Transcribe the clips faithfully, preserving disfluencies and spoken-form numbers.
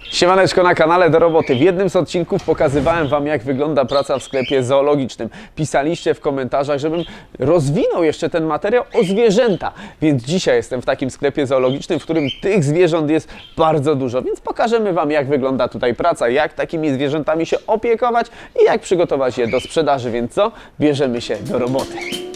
Siemaneczko na kanale Do Roboty. W jednym z odcinków pokazywałem Wam, jak wygląda praca w sklepie zoologicznym. Pisaliście w komentarzach, żebym rozwinął jeszcze ten materiał o zwierzęta. Więc dzisiaj jestem w takim sklepie zoologicznym, w którym tych zwierząt jest bardzo dużo. Więc pokażemy Wam, jak wygląda tutaj praca, jak takimi zwierzętami się opiekować i jak przygotować je do sprzedaży. Więc co? Bierzemy się do roboty.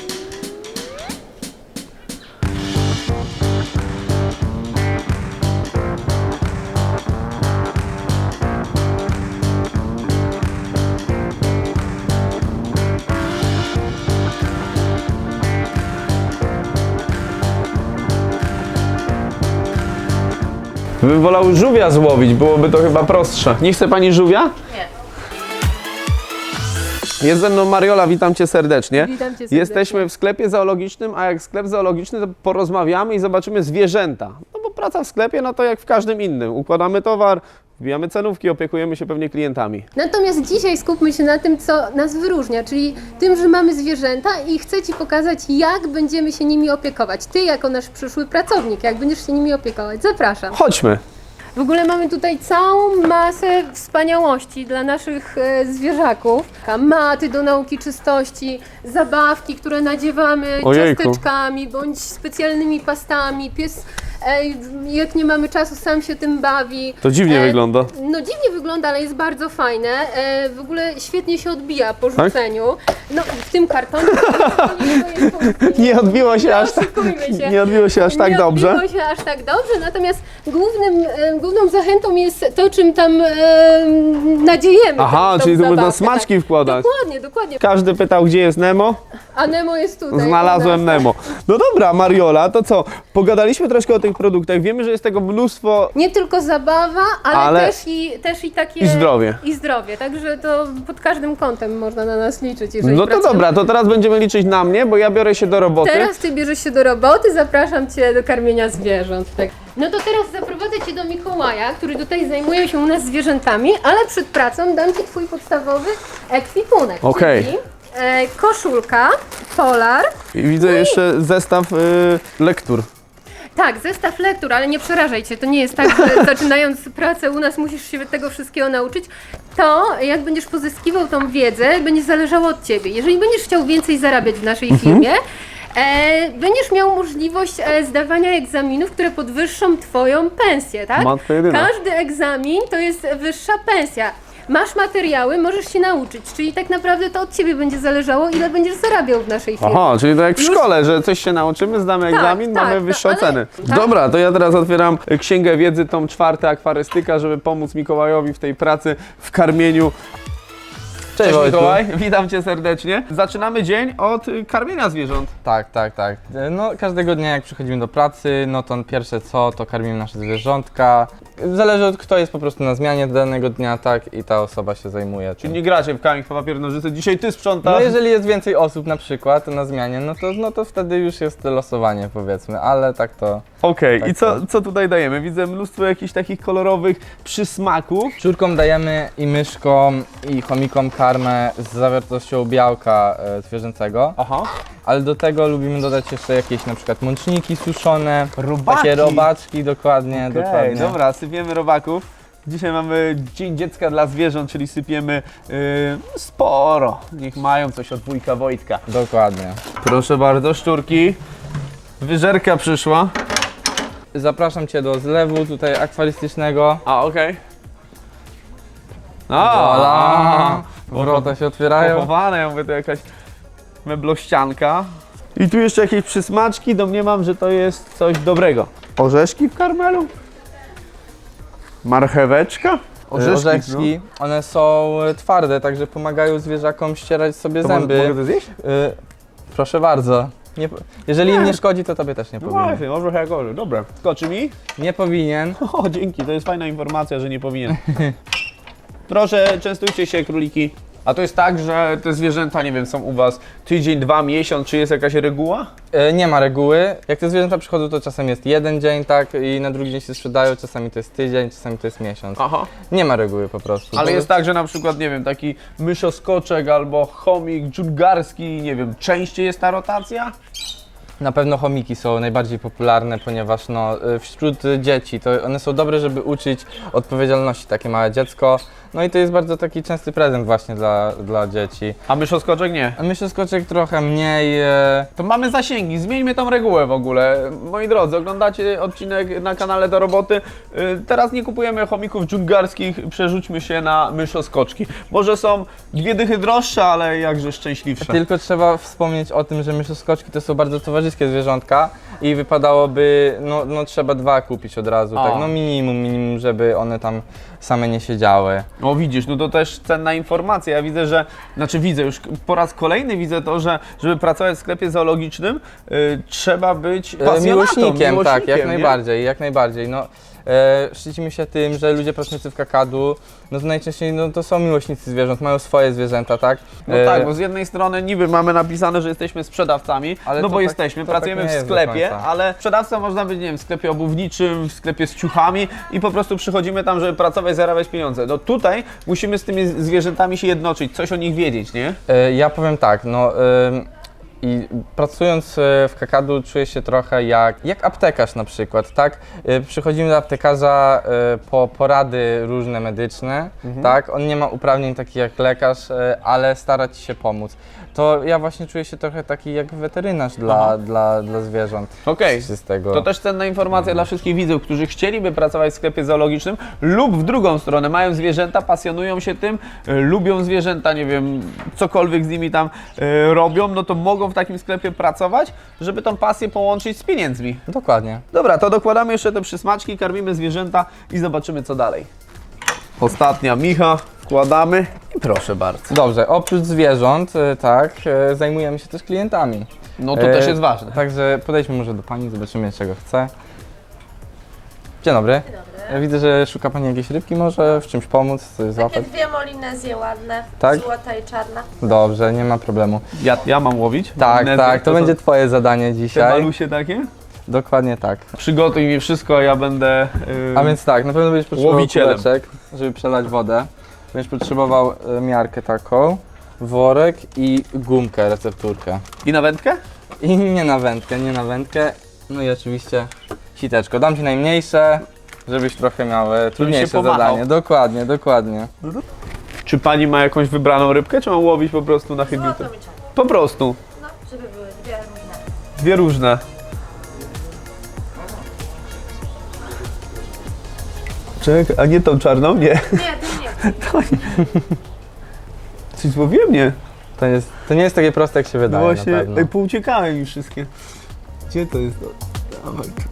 Bym wolał żółwia złowić, byłoby to chyba prostsze. Nie chce Pani żółwia? Nie. Jest ze mną Mariola, witam Cię serdecznie. Witam Cię serdecznie. Jesteśmy w sklepie zoologicznym, a jak sklep zoologiczny, to porozmawiamy i zobaczymy zwierzęta. No bo praca w sklepie, no to jak w każdym innym. Układamy towar, wbijamy cenówki, opiekujemy się pewnie klientami. Natomiast dzisiaj skupmy się na tym, co nas wyróżnia, czyli tym, że mamy zwierzęta i chcę Ci pokazać, jak będziemy się nimi opiekować. Ty jako nasz przyszły pracownik, jak będziesz się nimi opiekować. Zapraszam. Chodźmy. W ogóle mamy tutaj całą masę wspaniałości dla naszych e, zwierzaków. Maty do nauki czystości, zabawki, które nadziewamy Ojejku. ciasteczkami bądź specjalnymi pastami. Pies, e, jak nie mamy czasu, sam się tym bawi. To dziwnie E, wygląda. No dziwnie wygląda, ale jest bardzo fajne. E, w ogóle świetnie się odbija po rzuceniu. No w tym kartonie. Nie odbiło się aż tak, oszukujmy się. nie odbiło się aż tak nie dobrze. odbiło się aż tak dobrze, natomiast głównym, e, główną zachętą jest to, czym tam e, nadziejemy. Aha, tą, tą czyli tu można zabawkę, smaczki tak. wkładać. Dokładnie, dokładnie. Każdy pytał, gdzie jest Nemo? A Nemo jest tutaj. Znalazłem u nas. Nemo. No dobra, Mariola, to co? Pogadaliśmy troszkę o tych produktach. Wiemy, że jest tego mnóstwo. Nie tylko zabawa, ale, Ale- Też, i, też i takie... I zdrowie. I zdrowie, także to pod każdym kątem można na nas liczyć, jeżeli No to pracujemy. dobra, to teraz będziemy liczyć na mnie, bo ja biorę się do roboty. Teraz Ty bierzesz się do roboty, zapraszam Cię do karmienia zwierząt. Tak. No to teraz zaprowadzę Cię do Mikołaja, który tutaj zajmuje się u nas zwierzętami, ale przed pracą dam Ci Twój podstawowy ekwipunek. Okej. Czyli e, koszulka, polar, I widzę jeszcze zestaw y, lektur. tak, zestaw lektur, ale nie przerażaj Cię, to nie jest tak, że zaczynając pracę u nas musisz się tego wszystkiego nauczyć. To, jak będziesz pozyskiwał tą wiedzę, będzie zależało od Ciebie. Jeżeli będziesz chciał więcej zarabiać w naszej Mhm. firmie, e, będziesz miał możliwość e, zdawania egzaminów, które podwyższą Twoją pensję, tak? Matko jedyna. Każdy egzamin to jest wyższa pensja. Masz materiały, możesz się nauczyć, czyli tak naprawdę to od Ciebie będzie zależało, ile będziesz zarabiał w naszej firmie. Aha, czyli to jak w Już- szkole, że coś się nauczymy, zdamy Tak, egzamin, tak, mamy tak, wyższe ale- oceny. tak. Dobra, to ja teraz otwieram księgę wiedzy, tom czwarty, akwarystyka, żeby pomóc Mikołajowi w tej pracy, w karmieniu. Cześć, Wojtku. Mikołaj, witam Cię serdecznie. Zaczynamy dzień od y, karmienia zwierząt. Tak, tak, tak. No każdego dnia jak przychodzimy do pracy, no to pierwsze co, to karmimy nasze zwierzątka. Zależy od kto jest po prostu na zmianie danego dnia, tak, i ta osoba się zajmuje Czyli tym. nie gracie w kamień, papier, nożyce, dzisiaj Ty sprzątasz. No jeżeli jest więcej osób na przykład na zmianie, no to, no to wtedy już jest losowanie powiedzmy, ale tak to... Okej, Tak, i co, tak. co tutaj dajemy? Widzę mnóstwo jakichś takich kolorowych przysmaków. Szczurkom dajemy i myszkom i chomikom karmę z zawartością białka e, zwierzęcego, Aha. ale do tego lubimy dodać jeszcze jakieś na przykład mączniki suszone, Robaki. takie robaczki, dokładnie, Okej, dokładnie. dobra, sypiemy robaków. Dzisiaj mamy Dzień Dziecka dla Zwierząt, czyli sypiemy yy, sporo. Niech mają coś od wujka Wojtka. Dokładnie. Proszę bardzo, szczurki. Wyżerka przyszła. Zapraszam Cię do zlewu tutaj akwarystycznego. A, okej. Voilà. Wrota się otwierają. Pochowane, ja mówię, to jakaś meblościanka. I tu jeszcze jakieś przysmaczki, domniemam, że to jest coś dobrego. Orzeszki w karmelu? Marcheweczka? Orzeszki, Orzeszki, one są e, twarde, także pomagają zwierzakom ścierać sobie no. To zęby. Mogę, mogę to zjeść? Y, proszę bardzo. Nie, po- jeżeli im nie szkodzi, to Tobie też nie No powinien. właśnie, może jak orze. Dobra. Skoczy mi? Nie powinien. O, dzięki, to jest fajna informacja, że nie powinien. Proszę, częstujcie się, króliki. A to jest tak, że te zwierzęta, nie wiem, są u Was tydzień, dwa, miesiąc, czy jest jakaś reguła? E, nie ma reguły. Jak te zwierzęta przychodzą, to czasem jest jeden dzień, tak, i na drugi dzień się sprzedają, czasami to jest tydzień, czasami to jest miesiąc. Aha. Nie ma reguły po prostu. Ale To- jest tak, że na przykład, nie wiem, taki myszoskoczek albo chomik dżungarski, nie wiem, częściej jest ta rotacja? Na pewno chomiki są najbardziej popularne, ponieważ no, y, wśród dzieci to one są dobre, żeby uczyć odpowiedzialności takie małe dziecko. No i to jest bardzo taki częsty prezent właśnie dla, dla dzieci. A myszoskoczek nie. A myszoskoczek trochę mniej. E... To mamy zasięgi, zmieńmy tą regułę w ogóle. Moi drodzy, oglądacie odcinek na kanale Do Roboty. Yy, Teraz nie kupujemy chomików dżungarskich, przerzućmy się na myszoskoczki. Może są dwie dychy droższe, ale jakże szczęśliwsze. Tylko trzeba wspomnieć o tym, że myszoskoczki to są bardzo towarzyskie zwierzątka i wypadałoby, no, no trzeba dwa kupić od razu, A. tak, no minimum, minimum, żeby one tam same nie siedziały. O widzisz, no to też cenna informacja. Ja widzę, że, znaczy widzę już po raz kolejny widzę to, że żeby pracować w sklepie zoologicznym yy, trzeba być E, pasjonatą, Miłośnikiem, tak, jak nie? najbardziej, jak najbardziej. No, e, szczycimy się tym, że ludzie pracujący w kakadu, no to najczęściej no, to są miłośnicy zwierząt, mają swoje zwierzęta, tak? No E, tak, bo z jednej strony niby mamy napisane, że jesteśmy sprzedawcami, Ale no to bo tak- jesteśmy, to tak pracujemy nie w jest do sklepie, końca. ale sprzedawca można być, nie wiem, w sklepie obuwniczym, w sklepie z ciuchami i po prostu przychodzimy tam, żeby pracować, zarabiać pieniądze. No tutaj musimy z tymi zwierzętami się jednoczyć, coś o nich wiedzieć, nie? E, Ja powiem tak, no ym, i pracując e, w kakadu czuję się trochę jak, jak aptekarz na przykład, tak? E, Przychodzimy do aptekarza e, po porady różne medyczne, tak? On nie ma uprawnień takich jak lekarz, e, ale stara ci się pomóc. To ja właśnie czuję się trochę taki jak weterynarz dla, dla, dla zwierząt. Okej. Z tego. To też cenna informacja dla wszystkich widzów, którzy chcieliby pracować w sklepie zoologicznym lub w drugą stronę, mają zwierzęta, pasjonują się tym, y, lubią zwierzęta, nie wiem, cokolwiek z nimi tam y, robią, no to mogą w takim sklepie pracować, żeby tą pasję połączyć z pieniędzmi. Dokładnie. Dobra, to dokładamy jeszcze te przysmaczki, karmimy zwierzęta i zobaczymy co dalej. Ostatnia micha, wkładamy i proszę bardzo. Dobrze, oprócz zwierząt, e, tak, e, zajmujemy się też klientami. No to E, też jest ważne. Także podejdźmy może do Pani, zobaczymy czego chce. Dzień dobry. Ja widzę, że szuka Pani jakiejś rybki, może w czymś pomóc, coś Takie złapać. dwie molinezje ładne, Tak? złota i czarna. Dobrze, nie ma problemu. Ja, ja mam łowić? Tak, Malinezje, tak, to są będzie Twoje zadanie te dzisiaj. malusie takie? Dokładnie tak. Przygotuj mi wszystko, a ja będę... Yy... A więc tak, na pewno będziesz potrzebował Łowicielem. kuleczek, żeby przelać wodę. Będziesz potrzebował e, miarkę taką, worek i gumkę, recepturkę. I na wędkę? I nie na wędkę, nie na wędkę. No i oczywiście siteczko. Dam Ci najmniejsze, żebyś trochę miał e, trudniejsze pomachał. zadanie. Dokładnie, dokładnie. Czy pani ma jakąś wybraną rybkę, czy mam łowić po prostu na chybił? Złoto i czarna. Po prostu. No, żeby były dwie różne. Dwie różne. Czekaj, a nie tą czarną? Nie. Nie, to nie. Coś złowiłem? Nie. To, jest, to nie jest takie proste, jak się No wydaje, właśnie, na pewno. ej, pouciekałem już wszystkie. Gdzie to jest? Dawaj tu.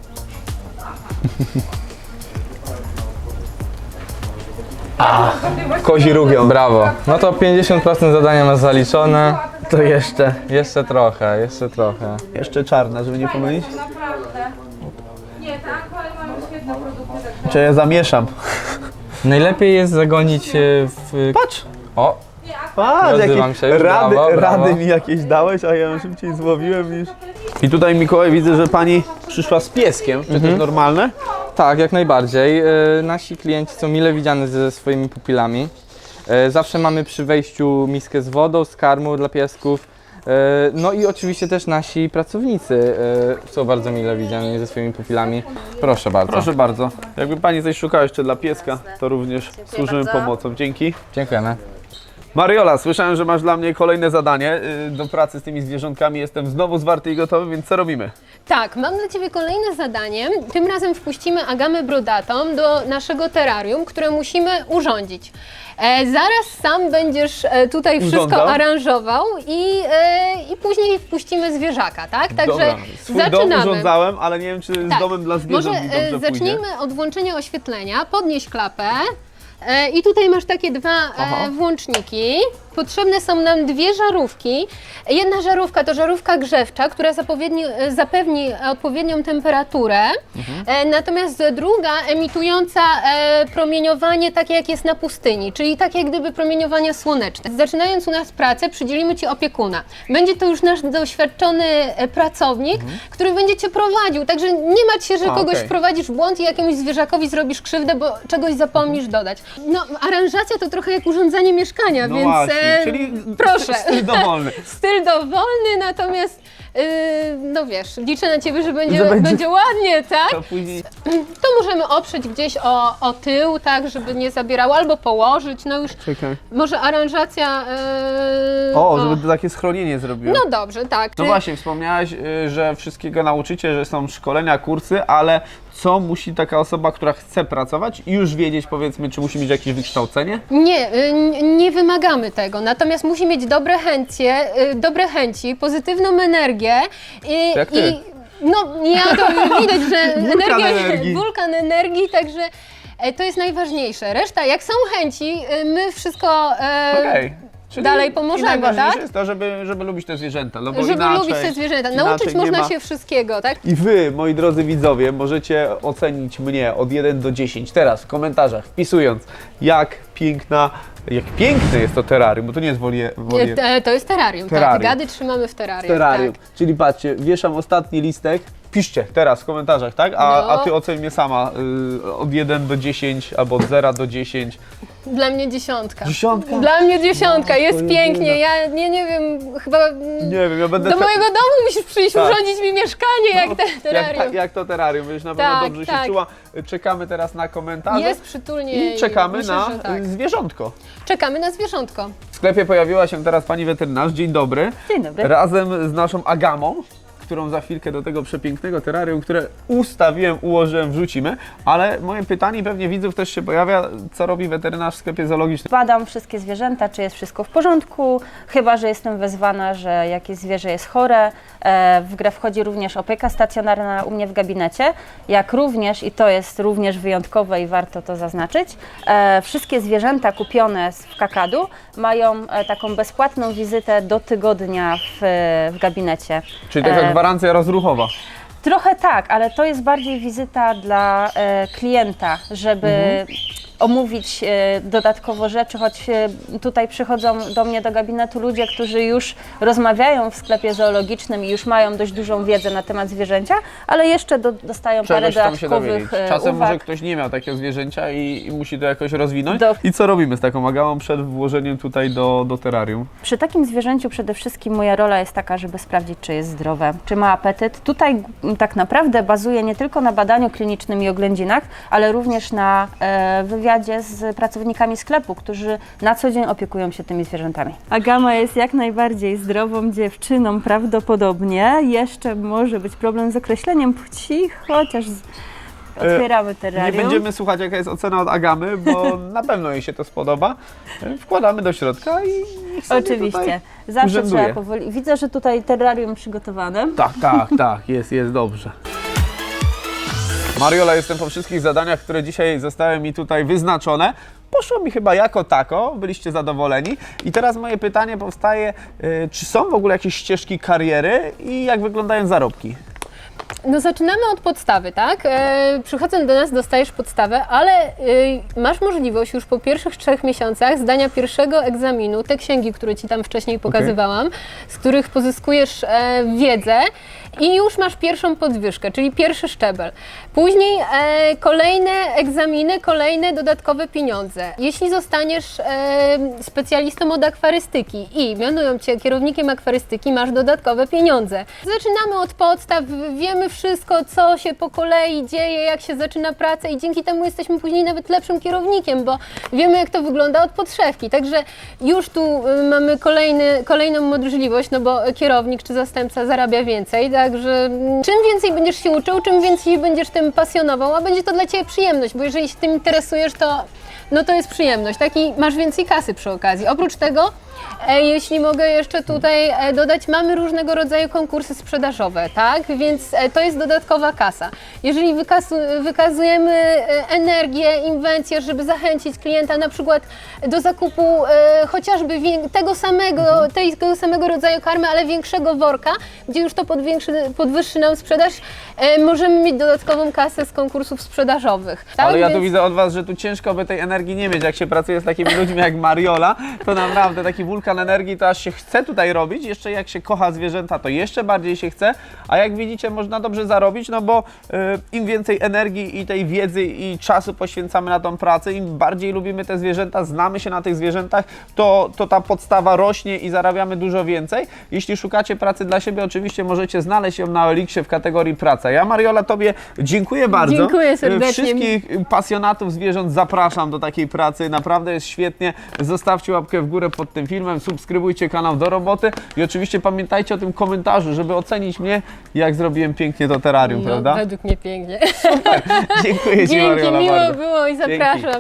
A, kozi rugią. Brawo. No to pięćdziesiąt procent zadania masz zaliczone. To jeszcze. Jeszcze trochę, jeszcze trochę. Jeszcze czarna, żeby nie pomylić. Naprawdę. Nie, tak, ale mamy świetne produkty. Czy ja zamieszam? Najlepiej jest zagonić e, w... Patrz! O, Patrz, Nie jakieś odzywam się już, rady, brawo, brawo. rady mi jakieś dałeś, a ja szybciej złowiłem niż... I tutaj, Mikołaj, widzę, że pani przyszła z pieskiem. Czy to jest normalne? tak, jak najbardziej. E, nasi klienci są mile widziani ze swoimi pupilami. E, zawsze mamy przy wejściu miskę z wodą, z karmą dla piesków. E, no i oczywiście też nasi pracownicy e, są bardzo mile widziani ze swoimi pupilami. Proszę bardzo. Proszę bardzo. Jakby pani coś szukała jeszcze dla pieska, to również służymy bardzo. pomocą. Dzięki. Dziękujemy. Mariola, słyszałem, że masz dla mnie kolejne zadanie y, do pracy z tymi zwierzątkami. Jestem znowu zwarty i gotowy, więc co robimy? Tak, mam dla Ciebie kolejne zadanie. Tym razem wpuścimy agamę brodatą do naszego terrarium, które musimy urządzić. E, zaraz sam będziesz e, tutaj wszystko Urządzał? aranżował i, e, i później wpuścimy zwierzaka, tak? Także Dobra. Swój dom zaczynamy. urządzałem, ale nie wiem, czy z Tak. domem dla zwierząt Może mi e, dobrze zacznijmy pójdzie. od włączenia oświetlenia, podnieś klapę. E, I tutaj masz takie dwa Aha. e, włączniki. Potrzebne są nam dwie żarówki. Jedna żarówka to żarówka grzewcza, która zapowiedni, e, zapewni odpowiednią temperaturę. Mhm. E, natomiast druga emitująca e, promieniowanie takie jak jest na pustyni, czyli takie jak gdyby promieniowania słoneczne. Zaczynając u nas pracę, przydzielimy Ci opiekuna. Będzie to już nasz doświadczony e, pracownik, który będzie Cię prowadził. Także nie martw się, że Mhm. A, kogoś okej. wprowadzisz w błąd i jakiemuś zwierzakowi zrobisz krzywdę, bo czegoś zapomnisz dodać. No, aranżacja to trochę jak urządzanie mieszkania, No więc właśnie. E, czyli proszę. styl dowolny. Styl dowolny, natomiast yy, no wiesz, liczę na ciebie, że będzie, Że będzie- będzie ładnie, tak? To później... To możemy oprzeć gdzieś o, o tył, tak, żeby nie zabierało, albo położyć, no już Czekaj. może aranżacja... Yy, O, żeby to takie schronienie zrobiło. No dobrze, tak. No Czy- właśnie, wspomniałaś, y, że wszystkiego nauczycie, że są szkolenia, kursy, ale co musi taka osoba, która chce pracować i już wiedzieć, powiedzmy, czy musi mieć jakieś wykształcenie? Nie, y, n- nie wymagamy tego, natomiast musi mieć dobre chęcie, y, dobre chęci, pozytywną energię i, Jak ty. i no ja to widać, że Wulkan energia, energii. wulkan energii, także e, to jest najważniejsze. Reszta, jak są chęci, y, my wszystko e, Okej. Czyli dalej i pomożemy, najważniejsze tak? jest to, żeby, żeby lubić te zwierzęta, no bo Żeby inaczej, lubić te zwierzęta. inaczej Nauczyć nie można ma. się wszystkiego, tak? I wy, moi drodzy widzowie, możecie ocenić mnie od jeden do dziesięciu teraz w komentarzach, wpisując, jak piękna, jak piękne jest to terrarium, bo to nie jest wolie, wolie E, To jest terrarium, Terrarium. tak. Gady trzymamy w terrarium. terrarium. Tak. Czyli patrzcie, wieszam ostatni listek, piszcie teraz w komentarzach, tak? A, No. a ty oceń mnie sama y, od jeden do dziesięciu albo od zera do dziesięciu. Dla mnie dziesiątka. Dziesiątka? Dla mnie dziesiątka, No, jest to pięknie. jedyna. Ja nie, nie wiem, chyba mm, Nie wiem, ja będę... do te- mojego domu musisz przyjść, Tak. urządzić mi mieszkanie, jak te jak, terrarium. jak to terrarium, będziesz na pewno Tak, dobrze tak. się czuła. Czekamy teraz na komentarze. Jest przytulnie I czekamy myślę, na że tak. zwierzątko. Czekamy na zwierzątko. W sklepie pojawiła się teraz pani weterynarz. Dzień dobry. Dzień dobry. Razem z naszą Agamą, którą za chwilkę do tego przepięknego terrarium, które ustawiłem, ułożyłem, wrzucimy. Ale moje pytanie, pewnie widzów też się pojawia, co robi weterynarz w sklepie zoologicznym? Badam wszystkie zwierzęta, czy jest wszystko w porządku, chyba że jestem wezwana, że jakieś zwierzę jest chore. E, W grę wchodzi również opieka stacjonarna u mnie w gabinecie, jak również, i to jest również wyjątkowe i warto to zaznaczyć, e, wszystkie zwierzęta kupione z- w Kakadu mają e, taką bezpłatną wizytę do tygodnia w, w gabinecie. Czyli taka E, gwarancja rozruchowa. Trochę tak, ale to jest bardziej wizyta dla e, klienta, żeby omówić e, dodatkowo rzeczy, choć e, tutaj przychodzą do mnie do gabinetu ludzie, którzy już rozmawiają w sklepie zoologicznym i już mają dość dużą wiedzę na temat zwierzęcia, ale jeszcze do, dostają parę Czegoś tam się dowiedzieć. dodatkowych e, Czasem uwag. może ktoś nie miał takiego zwierzęcia i, i musi to jakoś rozwinąć. Do- I co robimy z taką Agamą przed włożeniem tutaj do, do terrarium? Przy takim zwierzęciu przede wszystkim moja rola jest taka, żeby sprawdzić, czy jest zdrowe, czy ma apetyt. Tutaj m, tak naprawdę bazuję nie tylko na badaniu klinicznym i oględzinach, ale również na e, wywiadzie z pracownikami sklepu, którzy na co dzień opiekują się tymi zwierzętami. Agama jest jak najbardziej zdrową dziewczyną prawdopodobnie. Jeszcze może być problem z określeniem płci, chociaż z... otwieramy Nie terrarium. będziemy słuchać, jaka jest ocena od Agamy, bo na pewno jej się to spodoba. Wkładamy do środka i niech sobie Oczywiście. tutaj Zawsze urzęduje. trzeba powoli. Widzę, że tutaj terrarium przygotowane. Tak, tak, tak, jest, jest dobrze. Mariola, jestem po wszystkich zadaniach, które dzisiaj zostały mi tutaj wyznaczone. Poszło mi chyba jako tako, byliście zadowoleni. I teraz moje pytanie powstaje, y, czy są w ogóle jakieś ścieżki kariery i jak wyglądają zarobki? No zaczynamy od podstawy, tak? E, przychodząc do nas dostajesz podstawę, ale e, masz możliwość już po pierwszych trzech miesiącach zdania pierwszego egzaminu, te księgi, które Ci tam wcześniej pokazywałam, z których pozyskujesz e, wiedzę i już masz pierwszą podwyżkę, czyli pierwszy szczebel. Później e, kolejne egzaminy, kolejne dodatkowe pieniądze. Jeśli zostaniesz e, specjalistą od akwarystyki i mianują Cię kierownikiem akwarystyki, masz dodatkowe pieniądze. Zaczynamy od podstaw, wiemy wszystko, co się po kolei dzieje, jak się zaczyna praca i dzięki temu jesteśmy później nawet lepszym kierownikiem, bo wiemy, jak to wygląda od podszewki. Także już tu y, mamy kolejny, kolejną możliwość, no bo kierownik czy zastępca zarabia więcej, także mm, czym więcej będziesz się uczył, czym więcej będziesz tym pasjonował, a będzie to dla Ciebie przyjemność, bo jeżeli się tym interesujesz, to no to jest przyjemność, tak? I masz więcej kasy przy okazji. Oprócz tego, e, jeśli mogę jeszcze tutaj e, dodać, mamy różnego rodzaju konkursy sprzedażowe, tak? Więc e, to jest dodatkowa kasa. Jeżeli wykasu, wykazujemy e, energię, inwencję, żeby zachęcić klienta na przykład do zakupu e, chociażby wię- tego samego, tego samego rodzaju karmy, ale większego worka, gdzie już to podwiększy, podwyższy nam sprzedaż, e, możemy mieć dodatkową kasę z konkursów sprzedażowych. Tak? Ale ja tu Więc- widzę od Was, że tu ciężko by tej energii nie mieć. Jak się pracuje z takimi ludźmi jak Mariola, to naprawdę taki taki wulkan energii, to aż się chce tutaj robić. Jeszcze jak się kocha zwierzęta, to jeszcze bardziej się chce. A jak widzicie, można dobrze zarobić, no bo y, im więcej energii i tej wiedzy i czasu poświęcamy na tą pracę, im bardziej lubimy te zwierzęta, znamy się na tych zwierzętach, to, to ta podstawa rośnie i zarabiamy dużo więcej. Jeśli szukacie pracy dla siebie, oczywiście możecie znaleźć ją na O L X ie w kategorii praca. Ja, Mariola, Tobie dziękuję bardzo. Dziękuję serdecznie. Wszystkich pasjonatów zwierząt zapraszam do takiej pracy. Naprawdę jest świetnie. Zostawcie łapkę w górę pod tym filmem, subskrybujcie kanał Do Roboty i oczywiście pamiętajcie o tym komentarzu, żeby ocenić mnie, jak zrobiłem pięknie to terrarium, No, prawda? według mnie pięknie. Dziękuję Ci, Dzięki, Mariola, miło bardzo. było i Dzięki. zapraszam.